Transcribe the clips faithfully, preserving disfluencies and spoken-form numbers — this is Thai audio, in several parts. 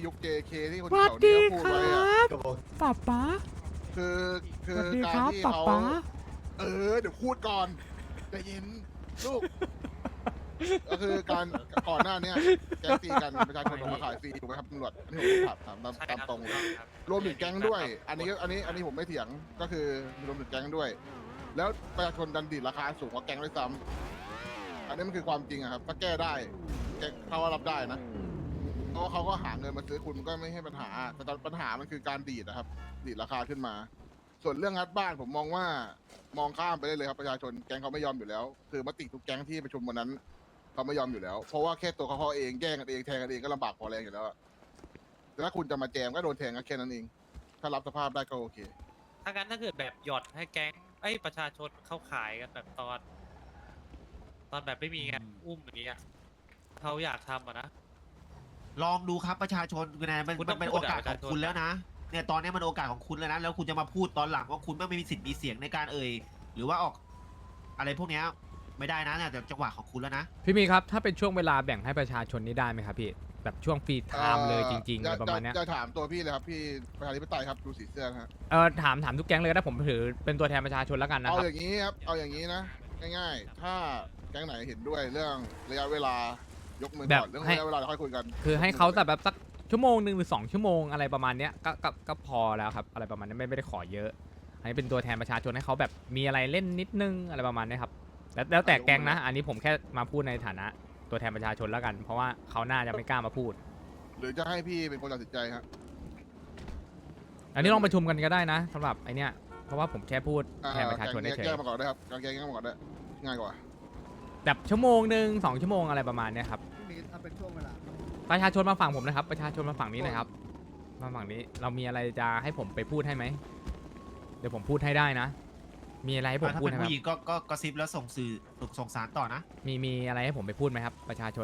ยุค เจ เค ที่คนสวัสแถวดีนี้เขาพูดครไว้อะับป๊าป๊าคือคืสอวัสดีการครับที่ป๊าเขาป๊าเออเดี๋ยวพูดก่อนใจเย็นลูก ก็คือการก่อนหน้าเนี้ยแก๊งตีกันประชาชนออกมาขายฟรีถูกไหมครับตำรวจนี่ผมถามถามตามใช่ตามครับตรงเลยถูกต้องครับรวมถึงแก๊งด้วย อันนี้อันนี้อันนี้ผมไม่เถียงก็คือรวมถึงแก๊งด้วย แล้วประชาชนดันดีดราคาสูงกว่าแก๊งด้วยซ้ำอันนี้มันคือความจริงอะครับถ้าแก้ได้แก้เขาว่ารับได้นะเพราะว่าเขาก็หาเงินมาซื้อคุณมันก็ไม่ให้ปัญหาแต่ตอนปัญหามันคือการดีดนะครับ ดีดราคาขึ้นมา ส่วนเรื่องงัดบ้านผมมองว่ามองข้ามไปได้เลยครับประชาชนแก๊งเขาไม่ยอมอยู่แล้ว คือมติทุกแก๊งที่ประชุมวันนั้นเขาไม่ยอมอยู่แล้ว เพราะว่าแค่ตัวเขาเขาเองแย่งกันเองแทงกันเองก็ลำบากพอแรงอยู่แล้วอะแต่ถ้าคุณจะมาแจมก็โดนแทงก็แค่นั้นเอง ถ้ารับสภาพได้ก็โอเคถ้างั้นถ้าเกิดแบบหยอดให้แก๊งไอ้ยประชาชนเข้าขายกันแบบตอน ตอนแบบไม่มีงานอุ้มอย่างเงี้ยเขาอยากทำอ่ะนะลองดูครับประชาชนคือไงมันคุณต้มัอน งเป็นพูโอดอะกาสประขชาองชนคุณแล้วนะเนี่ยตอนนี้มันโอกาสของคุณแล้วนะแล้วคุณจะมาพูดตอนหลังว่าคุณไม่มีสิทธิ์มีเสียงในการเอ่ยหรือว่าออกอะไรพวกเนี้ยไม่ได้นะเนี่ยแต่จังหวะของคุณแล้วนะพี่มีครับ ถ้าเป็นช่วงเวลาแบ่งให้ประชาชนนี่ได้ไหมครับพี่ แบบช่วงฟรีไทม์เลยจริงๆอะไรประมาณเนี้ยจะถามตัวพี่เลยครับพี่ประชาธิปไตยครับดูสีเสื้อนะฮะเออถามถามทุกแก๊งเลยก็ได้ผมถือเป็นตัวแทนประชาชนแล้วกันนะเอาครับอย่างนี้ครับเอาอย่างนี้นะง่ายๆ ถ้าแก๊งไหนเห็นด้วยเรื่องระยะเวลายกมือก่อนเรื่องระยะเวลาเราค่อยคุยกันคือให้เขาแต่แบบสักชั่วโมงหนึ่งหรือสองชั่วโมงอะไรประมาณเนี้ยก็ก็ก็พอแล้วครับอะไรประมาณนี้ไม่ไม่ได้ขอเยอะ อันนี้เป็นตัวแทนประชาชนให้เขาแบบมีอะไรเล่นนิดนึงอะไรประมาณนี้ครับแล้วแล้วแต่แก๊งนะ อันนี้ผมแค่มาพูดในฐานะตัวแทนประชาชนแล้วกัน เพราะว่าเขาน่าจะไม่กล้ามาพูดหรือจะให้พี่เป็นคนตัดสินใจครับอันนี้ลองประชุมกันก็ได้นะสำหรับไอเนี้ยเพราะว่าผมแค่พูดอ่าแทนประชาชนแกงเฉยแก้มาก่อนได้ครับการแก้แก้มาก่อนได้ง่ายกว่าๆแบบชั่วโมงหนึ่งสองชั่วโมงอะไรประมาณเนี้ยครับพี่มีถ้าเป็นช่วงเวลาประชาชนมาฝั่งผมนะครับ ประชาชนมาฝั่งนี้เลยครับ มาฝั่งนี้เรามีอะไรจะให้ผมไปพูดให้ไหมเดี๋ยวผมพูดให้ได้นะ มีอะไรให้ผมถ้าพูดเป็นไหมครัผู้หญิบงก็ก็กระซิบแล้วส่งสื่อส่งสารต่อนะมีมีอะไรให้ผมไปพูดไหมครับ ประชาชน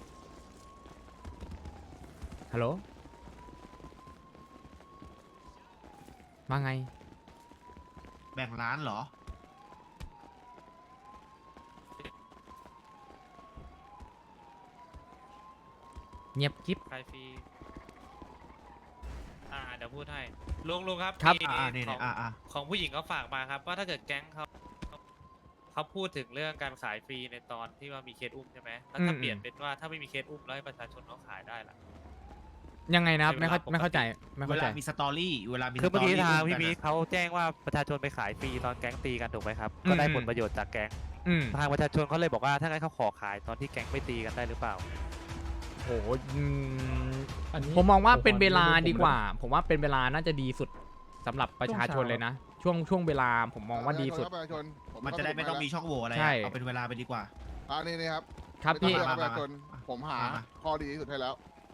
ฮัลโหลว่าไงแบ่งร้านเหรอเงียบกิ๊บขายฟรีอ่าเดี๋ยวพูดให้ลุงลุงครับครับมีอ่านี่ขอนี่งอ่าอ่าของผู้หญิงเขาฝากมาครับว่าถ้าเกิดแก๊งเขาเขาพูดถึงเรื่องการขายฟรีในตอนที่ว่ามีเคสอุ้มใช่ไหมแล้วถ้าเปลี่ยนเป็นว่าถ้าไม่มีเคสอุ้มแล้วให้ประชาชนเขาขายได้ล่ะยังไงนะครับในเวไม่ลาเข้าไม่เข้าใจไม่เวเข้าใจลามีสตอรี่เวลามีคือเมื่อกี้สตทางรี่พี่มีกันอะเขาแจ้งว่าประชาชนไปขายฟรีตอนแก๊งตีกันถูกไหมครับอืมก็ได้ผลประโยชน์จากแก๊งอืมทางประชาชนเขาเลยบอกว่าถ้างั้นเขาขอขายตอนที่แก๊งไม่ตีกันได้หรือเปล่าโหอืมผมมองว่าเป็นเวลาดีกว่า ผมว่าเป็นเวลาน่าจะดีสุดสำหรับประชาชนเลยนะ ช่วงช่วงเวลาผมมองว่าดีสุดประชาชนผมันจะได้ไม่ต้องมีช่องโหว่อะไรใช่อะเอาเป็นเวลาไปดีกว่าอ่านี่นี่ครับครับพี่ไม่ต้องมาเรียกประชาชนผมหามามาข้อดีที่สุดให้แล้ว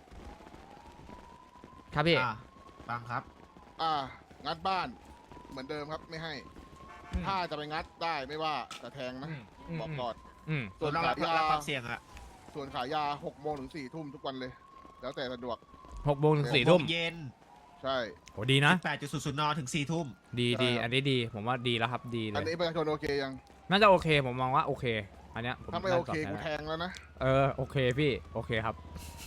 ครับพี่อ่าฟังครับอ่า งัดบ้านเหมือนเดิมครับไม่ให้อืมถ้าจะไปงัดได้ไม่ว่าแต่แทงนะอืมบอกก่อนอืมส่วนต้องขารับยยารับความเสี่ยงอะส่วนขายยาหกโมงถึงสี่ทุ่มทุกวันเลย แล้วแต่สะดวกหกโมงถึงสี่ทุ่มโงเย็นใช่โหดีนะแปดจุดศูนย์ศูนย์นถึงสี่ทุ่มดีดีใช่ครับอันนี้ดี ผมว่าดีแล้วครับ ดีเลอันยนี้ประชาชนโอเคยังน่าจะโอเค ผมมองว่าโอเค อันเนี้ยผมถ้าไม่น่โอจะตบเคแทนกูได้แทงแล้วนะเออ โอเคพี่ โอเคครับ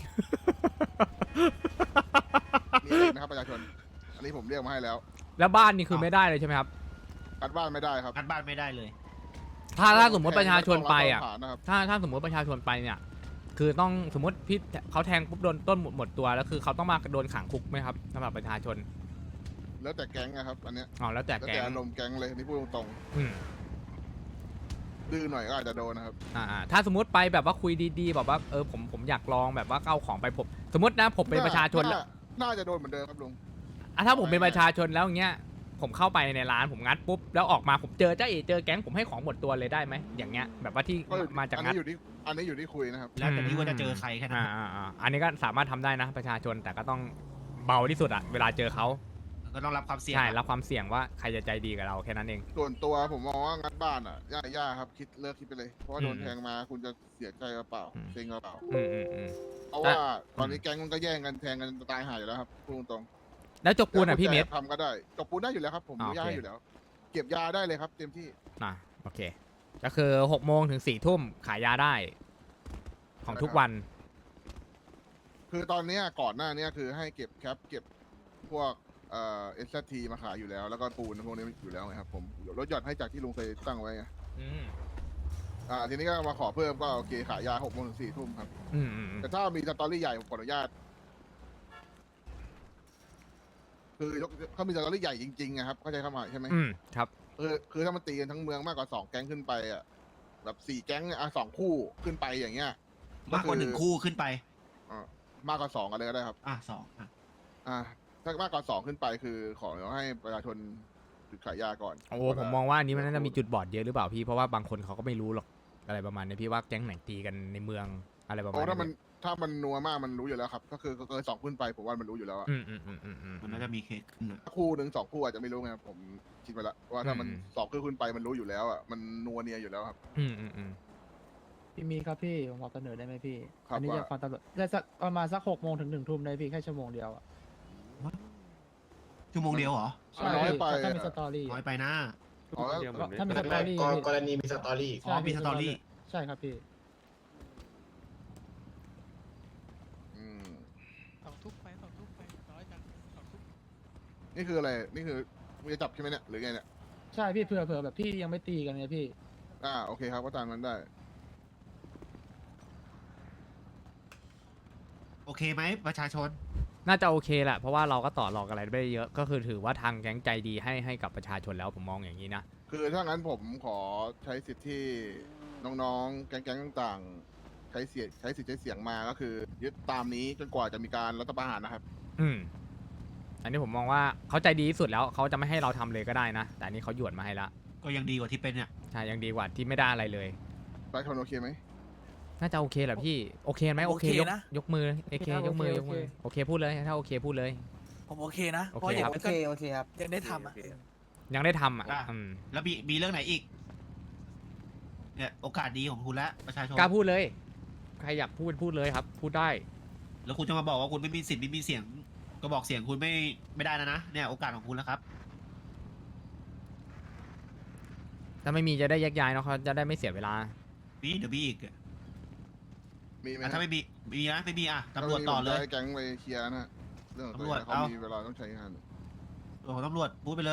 มีอะไรอีกนะครับประชาชน อันนี้ผมเรียกมาให้แล้วแล้วบ้านนี่คือไม่ได้เลยใช่ไหมครับงัดบ้านไม่ได้ครับงัดบ้านไม่ได้เลยถ้าถ้าสมมติประชาชนไปอ่ะต้องรับหลักฐานนะครับถ้าถ้าสมมติประชาชนไปเนี่ย คือต้องสมมติพี่เขาแทงปุ๊บโดนต้นหมดหมดตัวแล้วคือเขาต้องมาโดนขังคุกไหมครับสำหรับประชาชนแล้วแต่แก๊งนะครับ อันเนี้ยอ๋อแล้วแต่แล้วแกแต่งอารมณ์แก๊งเลยนี่พูดตรงอืมๆดื้อหน่อยก็อาจจะโดนนะครับอ่าอ่าถ้าสมมติไปแบบว่าคุยดีๆแบบว่าเออผมผมอยากลองแบบว่าเอาของไปผมสมมตินะผมเป็นประชาชนแล้วน่าจะโดนเหมือนเดิมครับลุงอ่ะถ้าผมเป็นประชาชนแล้วอย่างเงี้ยผมเข้าไปในร้านผมงัดปุ๊บแล้วออกมาผมเจอเจ้าเอเจอแก๊งผมให้ของหมดตัวเลยได้ไหมอย่างเงี้ยแบบว่าที่ก็อยู่มาจากอันงัดนี้อยู่ที่อันนี้อยู่ที่คุยนะครับแล้วแต่ที่ว่าจะเจอใครแค่นั้นอ่าอ่าอ่าอันนี้ก็สามารถทำได้นะประชาชนแต่ก็ต้องเบาที่สุดอะเวลาเจอเขาก็ต้องรับความเสี่ยงใช่อะรับความเสี่ยงว่าใครจะใจดีกับเราแค่นั้นเองส่วนตัวผมมองว่างัดบ้านอ่ะย่าย่าครับคิดเลิกคิดไปเลย เพราะว่าโดนอืมแทงมาคุณจะเสียใจกระเปล่าอืมเซ็งกระเปล่าอืมอืมอืมเพราะว่าตอนนี้แก๊งมันก็แย่งกันแทงกันตายหายอยู่แล้วครับพูดตรงแล้วจกๆปูนอะพี่เมธทำก็ได้จบปูนได้อยู่แล้วครับผมอ่าอนุญาตโอเคให้อยู่แล้ว เก็บยาได้เลยครับเต็มที่อ่ะโอเค ก็คือหกโมงถึงสี่ทุ่มขายยาได้ ของทุกวันคคือตอนเนี้ยก่อนหน้าเนี้ยคือให้เก็บแคปเก็บพวกเอ่อเอสทีมาขายอยู่แล้ว แล้วก็ปูนพวกนี้อยู่แล้วไงครับผมลดหย่อนให้จากที่ลุงเคยตั้งไว้ไงอืมอ่าทีนี้ก็มาขอเพิ่มก็โอเคขายยาหกโมงถึงสี่ทุ่มครับอืมอืมอืมแต่ถ้ามีสตอรี่ใหญ่ผมขออนุญาต คือยกเขามีสตอรี่ใหญ่จริงๆนะครับเข้าใจคำหมายใช่ไหมอืมครับคือคือถ้ามันตีกันทั้งเมืองมากกว่าสองแก๊งขึ้นไปอ่ะแบบสี่แก๊งเนี่ยอ่ะสองคู่ขึ้นไปอย่างเงี้ยมากกว่าหนึ่งคู่ขึ้นไปอ่ามากกว่าสองอะไรก็ได้ครับอ่ะสองอ่ะอ่าถ้ามากกว่าสองขึ้นไปคือขอให้ประชาชนถือขายยาก่อนโอ้ผมมองว่าอันนี้มันน่าจะมีจุดบอดเยอะหรือเปล่าพี่เพราะว่าบางคนเขาก็ไม่รู้หรอกอะไรประมาณนี้พี่ว่าแก๊งไหนตีกันในเมืองอะไรประมาณโอ้ถ้ามันนี้ถ้ามันนัวมากมันรู้อยู่แล้วครับ ก็คือเกินสองขึ้นไปผมว่ามันรู้อยู่แล้วอะอืมอืมอืมอืมอืมมันน่าจะมีเคสขึ้นอะคู่หนึ่งสองคู่อาจจะไม่รู้ไงครับผมคิดไปละว่าถ้ามันอืมสองขึ้นขึ้นไปมันรู้อยู่แล้วอะมันนัวเนียอยู่แล้วครับอืมอืมอืมพี่มีครับพี่ผมขอเสนอได้ไหมพี่ครับอันี้ว่าอยากฟังตำรวจได้สักประมาณสักหกโมงถึงหนึ่งทุ่มได้พี่แค่ชั่วโมงเดียวอ่ะชั่วโมงเดียวเหรอใช่น้อยพี่ไปถ้ามีอะสตอรี่น้อยไปนะอ๋อแล้วก็ถ้ามีสตอรี่กรพี่กรณีมีสตอรี่อ๋อมีสตอรี่ใช่ครับพี่อืมสองทุกไปสองทุกไปน้อยจังสองทุกนี่คืออะไรนี่คือมึงจะจับใช่ไหมเนี่ยหรือไงเนี่ยใช่พี่เผื่อเผื่อแบบพี่ยังไม่ตีกันไงพี่อ่าโอเคครับก็ตามนั้นได้โอเคไหมประชาชนน่าจะโอเคแหละเพราะว่าเราก็ต่อรองอะไรไม่ได้เยอะก็คือถือว่าทางแก๊งใจดีให้ให้กับประชาชนแล้วผมมองอย่างนี้นะคือถ้างั้นผมขอใช้สิทธิ์ที่น้องๆ แก๊งๆต่างๆ ใช้เสียงใช้สิทธิ์ใช้เสียงมาก็คือ ยึดตามนี้จนกว่าจะมีการรัฐประหารนะครับอืมอันนี้ผมมองว่าเขาใจดีที่สุดแล้วเขาจะไม่ให้เราทำเลยก็ได้นะ แต่อันนี้เขาหยวนมาให้ละก็ยังดีกว่าที่เป็นเนี่ยใช่ยังดีกว่าที่ไม่ได้อะไรเลยประชาชนโอเคไหมน่าจะโอเคแหละพี่โอเคไหมโอเคยกยกมือโอเคยกมือยกมือโอเคพูดเลยถ้าโอเคพูดเลยผมโอเคนะโอเคเพราะอย่างครับน้อยก็โอเคครับยังได้ทำอ่ะยังได้ทำอ่ะอ่ะอืมแล้วมีมีเรื่องไหนอีก เนี่ยโอกาสดีของคุณแล้วประชาชนกล้าพูดเลย ใครอยากพูดพูดเลยครับ พูดได้แล้วคุณจะมาบอกว่าคุณไม่มีสิทธิ์ไม่มีเสียง ก็บอกเสียงคุณไม่ไม่ได้นะนะ เนี่ยโอกาสของคุณแล้วครับถ้าไม่มีจะได้แยกย้ายเนาะเขาจะได้ไม่เสียเวลามีเดี๋ยวมีอีกอ่ะมีไหมถ้าไม่มีมีนะไม่มีอ่ะตำรวจถ้าต่อไม่มีผมเลยจะให้แก๊งไปเคลียร์นะเรื่องของตัวเองตำรวจเขาเอามีมีเวลาต้องใช้งานตัวของตำรวจพูดไปเลย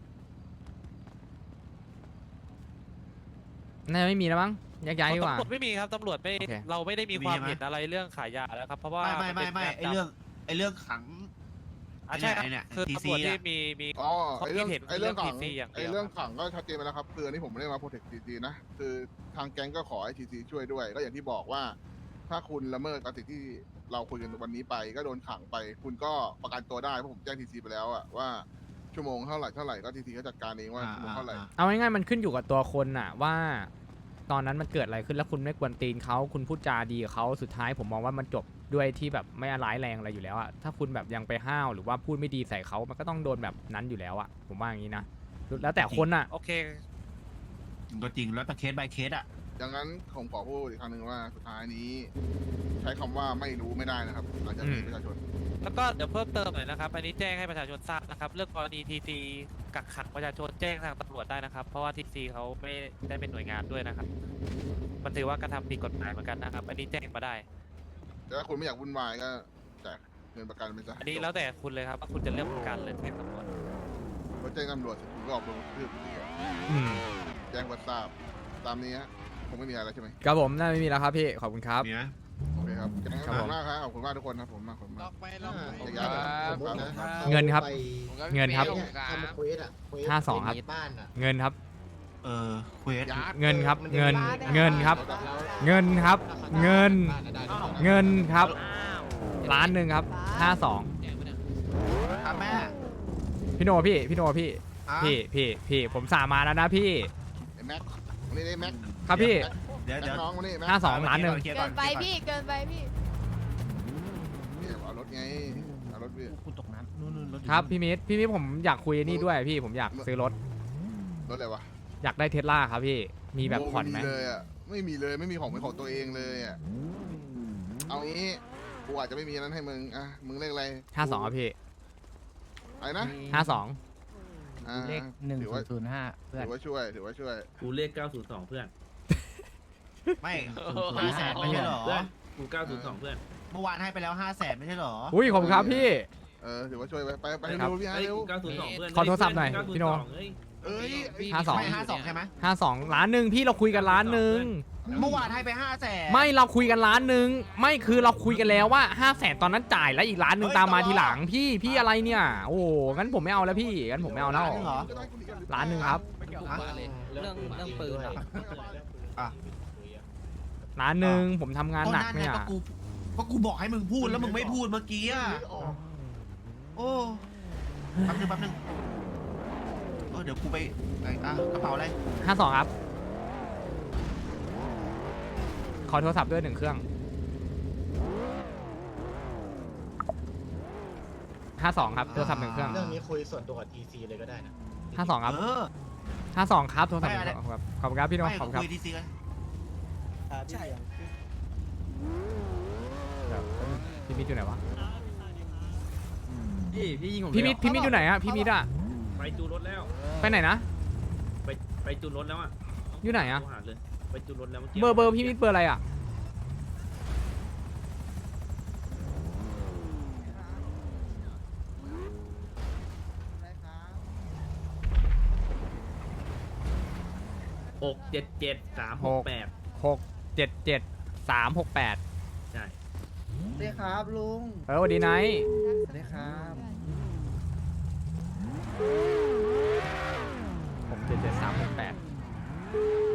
น่าจะไม่มีแล้วมั้งแยกย้ายดีกว่าตำรวจไม่มีครับตำรวจไม่โอเคเราไม่ได้มีไม่มีความใช่ไหมเห็นอะไรเรื่องขายยาแล้วครับเพราะว่าไม่ไม่ไม่ไม่นไอป็นเรื่องไอเรื่องขังอ่ะใช่ครับไอ้เนี่ยคือทีตำซีรวจที่อะมีมีอ๋อเขาไอเรื่องคิดเห็นไอเรื่องเรื่ขัองงทีซีอย่างเดียวไอเรื่องขังก็ชัดเจนไปแล้วครับคืออันนี้ผมไม่ได้มาโปรเทคทีซีนะ คือทางแก๊งก็ขอให้ทีซีช่วยด้วย ก็อย่างที่บอกว่า ถ้าคุณละเมิดกับสิ่งที่เราคุยกันวันนี้ไป ก็โดนขังไป คุณก็ประกันตัวได้เพราะผมแจ้งทีซีไปแล้วอะว่าชั่วโมงเท่าไหร่เท่าไหร่ก็ทีซีก็จัดการเองว่าชั่วโมงเท่าไหร่เอาง่ายๆมันขึ้นอยู่กับตัวคนน่ะว่า ตอนนั้นมันเกิดอะไรขึ้นแล้วคุณไม่กวนตีนเขาคุณพูดจาดีกับเขาสุดท้ายผมมองว่ามันจบด้วยที่แบบไม่ร้ายแรงอะไรอยู่แล้วอะถ้าคุณแบบยังไปห้าวหรือว่าพูดไม่ดีใส่เขามันก็ต้องโดนแบบนั้นอยู่แล้วอะผมว่าอย่างนี้นะแล้วแต่คนน่ะโอเคก็จริงแล้วแต่เคส by เคสอ่ะดังนั้นผมขอพูดอีกครั้งหนึ่งว่าสุดท้ายนี้ ใช้คำว่าไม่รู้ไม่ได้นะครับหลังจากนี้อืมประชาชนแล้วก็เดี๋ยวเพิ่มเติมหน่อยนะครับ อันนี้แจ้งให้ประชาชนทราบนะครับ เรื่องกรณีทีซีกักขังประชาชนแจ้งทางตำรวจได้นะครับ เพราะว่าทีซีเขาไม่ได้เป็นหน่วยงานด้วยนะครับ มันถือว่ากระทำผิดกฎหมายเหมือนกันนะครับ อันนี้แจ้งมาได้แต่ถ้าคุณไม่อยากวุ่นวายก็แจกเงินประกันไปซะอันนี้แล้วแต่คุณเลยครับว่าคุณจะเลือกประกันหรือแจ้งตำรวจพอแจ้งตำรวจเสร็จคุณก็ออกลงทืบอยู่ดีอะอืมแจ้งวัดทราบตามนี้ฮะคงไม่มีอะไรแล้วใช่ไหมครับผมน่าไม่มีแล้วครับพี่ขอบคุณครับมีไหมโอเคครับขครัอบบ ผคุมณมากครับขอบคุณมากทุกคนครับผมมากขอบคุณลมาอก กไปลอกไปอย่าย้ายสมมุตินะครับเงินครับไปเงินครับเนี่ยทำเควสอะเควสห้าสองครับในบ้านอะเงินครับเออเควสยัดเงินครับมันเงินบ้าได้เงินครับแล้วเงินครับ เงินบ้าอะได้ด้วยเงินครับล้านหนึ่งครับห้าสองครับแม่พี่โนพี่พี่โนพี่อ่ะพี่พี่พี่ผมสามาแล้วนะพี่ไอ้แม็กวันนี้ได้แม็กครับพี่เดี๋ยวแม็เดี๋ยกวน้องวันนี้แม็กห้าสองล้านหนึ่งเคลียร์เกิอนไปพี่เกินไปพี่เนี่ยเอารถไงเอารถพี่คุณตกน้ำนู่นนู่นรถอยู่ครับพี่มิตรพี่มิตรผมอยากคุยนี่ด้วยพี่ผมอยากซื้อรถรถอะไรวะอยากได้เทสลาครับพี่มีแบบผ่อนไหมโไม่มีเลยอ่ะไม่มีเลยไม่มีของเป็นของตัวเองเลยอ่ะเอางี้กูอาจจะไม่มีนั้นให้มึงอ่ะมึงเลขอะไรห้าสองครับพี่อะไรนะห้าสองอ่าเลขหนึ่งถือศูว่านย์ศูนย์ห้าเพื่อนถือว่าช่วยถือว่าช่วยกูเลขเก้าศูนย์สองเพื่อนไม่ห้าแสนไม่ใช่เหรอเพื่อนกูเก้าศูนย์สองเพื่อนเมื่อวานให้ไปแล้วห้าแสนไม่ใช่เหรออุ้ยขอบคุณครับพี่เออถือว่าช่วยไปไปไปครับเร็วๆพี่ฮะเร็วขอโทรศัพท์หน่อยพี่โนเอ้ยห้าสองไม่ห้าสองใช่ไหมห้าสองล้านหนึ่งพี่เราคุยกันล้านหนึ่งเมื่อวานให้ไปห้าแสนไม่เราคุยกันล้านหนึ่งไม่คือเราคุยกันแล้วว่าห้าแสนตอนนั้นจ่ายแล้วอีกล้านหนึ่งตามมาทีหลังพี่พี่อะไรเนี่ย โอ้โหงั้นผมไม่เอาแล้วพี่งั้นผมไม่เอาแล้วล้านหนึ่งเหรอล้านหนึ่งครับเรื่องเรื่องปืนอะอ่ะล้านหนึ่งผมทำงานหนักก็เนี่ยไงก็กูก็กูบอกให้มึงพูดแล้วมึงไม่พูดเมื่อกี้อ่ะโอ้แป๊บนึงแป๊บนึงเออเดี๋ยวกูไปไอ้อ่ะกระเป๋าอะไรห้าสองครับ ขอโทรศัพท์ด้วยหนึ่งเครื่องห้าสองครับโทรศัพท์หนึ่งเครื่องเรื่องนี้คุยส่วนตัวกับ ที ซี เลยก็ได้นะห้าสองครับเออห้าสองครับโทรศัพท์หไม่นึ่งอะไรเครื่องครับขอบคุณครับพี่โน้ไม่ขอบคุณคคุรับยทีซีกันใช่พี่มิดอยู่ไหนวะพี่พี่ยิงผมพี่มิดพี่มิดอยู่ไหนอะพี่มิดอะไปจูนรถแล้วไปไหนนะไปไปจูนรถแล้วอ่ะอยู่ไหนอะโทรหาเลยไปจูนรถแล้วมื่กี้เบอร์เบอร์พี่มิดเบอร์อะไรอะหกเจ็ดเจ็ดสามหกแปดหกเจ็ดเจ็ดสามหกแปดใช่สวัสดีครับลุงเออสวัสดีไนท์สวัสดีครับหกเจ็ดเจ็ดสามหกแปด